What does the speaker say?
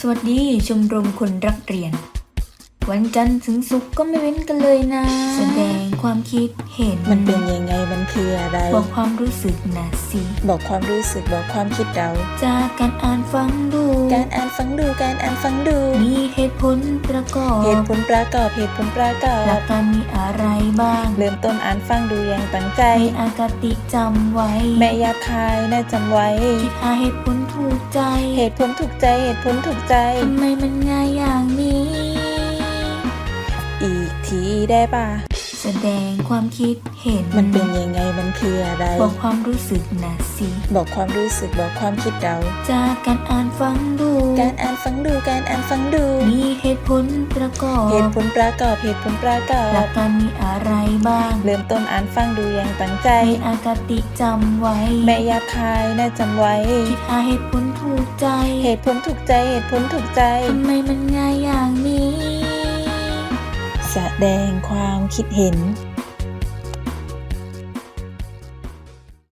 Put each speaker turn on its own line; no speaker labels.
สวัสดีชมรมคนรักเรียนวันจันทร์ถึงศุกร์ก็ไม่เว้นกันเลยนะแสดงความคิดเห็น
มันเป็นยังไงมันคืออะไร
บอกความรู้สึกนะสิ
บอกความรู้สึกบอกความคิดเรา
จากการอ่านฟังดู
การอ่านฟังดูการอ่านฟังดู
มีเหตุผลประกอบ
เหตุผลประกอบเหตุผลประกอบ
หลักการมีอะไรบ้าง
เริ่มต้นอ่านฟังดูอย่างตั้งใจ
ให้อากติจำไว้
แม่หยาบคายน่าจำไว้
คิดหาเหตุผลถูกใจ
เหตุผลถูกใจเหตุผลถูกใจ
ทำไมมันง่ายอย่างนี้
อีกทีได้ป่ะ
แสดงความคิดเห็น
มันเป็นยังไงมันคืออะไร
บอกความรู้สึกนะสิ
บอกความรู้สึกบอกความคิดเรา
จากการอ่านฟังดู
การอ่านฟังดูการอ่านฟังดู
มีเหตุผลประกอบ
เหตุผลประกอบเหตุผลประกอบ
หลักการมีอะไรบ้าง
เริ่มต้นอ่านฟังดูอย่างตั้งใจ
ให้อากติจำไว้
แม่หยาบคายน่าจำไว้
คิดหาเหตุผลถูกใจ
เหตุผลถูกใจเหตุผลถูกใจ
ทำไมมันง่ายอย่างนี้
แสดงความคิดเห็น